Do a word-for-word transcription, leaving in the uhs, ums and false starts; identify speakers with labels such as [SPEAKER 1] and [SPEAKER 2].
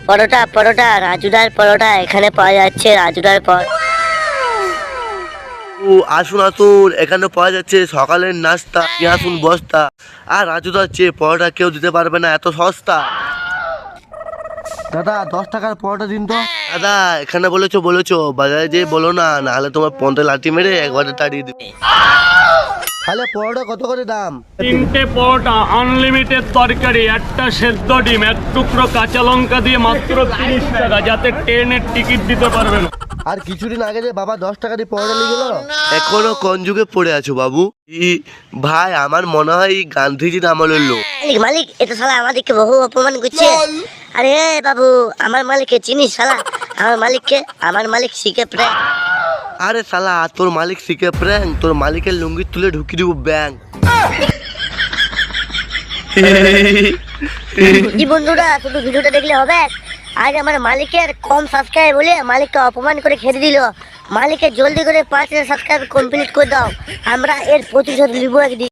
[SPEAKER 1] পরোটা পরোটা রাজুদার পরোটা এখানে পাওয়া যাচ্ছে, রাজুদার পর।
[SPEAKER 2] ও আসুন আসুন, এখানে পাওয়া যাচ্ছে সকালের নাস্তা, আসুন বস্তা। আর রাজুদার চেয়ে পরোটা কেউ দিতে পারবে না, এত সস্তা। দাদা দশ টাকার পরোটা দিন তো। দাদা এখানে বলেছো বলেছো, বাজারে যেয়ে বলো না, নাহলে তোমার পন্থে লাঠি মেরে একবারে তাড়িয়ে দিবে। তাহলে পরোটা কত করে দাম?
[SPEAKER 3] তিনটে পরোটা, আনলিমিটেড তরকারি, একটা সেদ্ধ ডিম, এক টুকরো কাঁচা লঙ্কা দিয়ে মাত্র তিরিশ টাকা, যাতে ট্রেনের টিকিট দিতে পারবে না।
[SPEAKER 2] আর কিছুদিন আগে যে বাবা দশ টাকা দিয়ে পরোটা নিয়ে গেল, এখনো কোন যুগে পড়ে আছো বাবু? ই ভাই আমার মনে হয় এই গান্ধীজির আমলের লোক।
[SPEAKER 1] মালিক মালিক এটা শালা আমাদেরকে বহু অপমান করছে। আরে বাবু, আমার মালিককে চিনিস শালা? আমার মালিককে, আমার মালিক শিখে প্রায়।
[SPEAKER 2] আরে শালা তোর মালিক শিখে প্র্যাং, তোর মালিকের লুঙ্গি তুলে ঢুকি দিব ব্যাংক।
[SPEAKER 1] জি বন্ধুরা, শুধু ভিডিওটা দেখলে হবে? আজ আমার মালিকের কম সাবস্ক্রাইব বলে মালিককে অপমান করে খেতে দিল। মালিকের জলদি করে পাঁচ হাজার সাবস্ক্রাইব কমপ্লিট করে দাও, আমরা এর প্রতিশোধ নিব একদিন।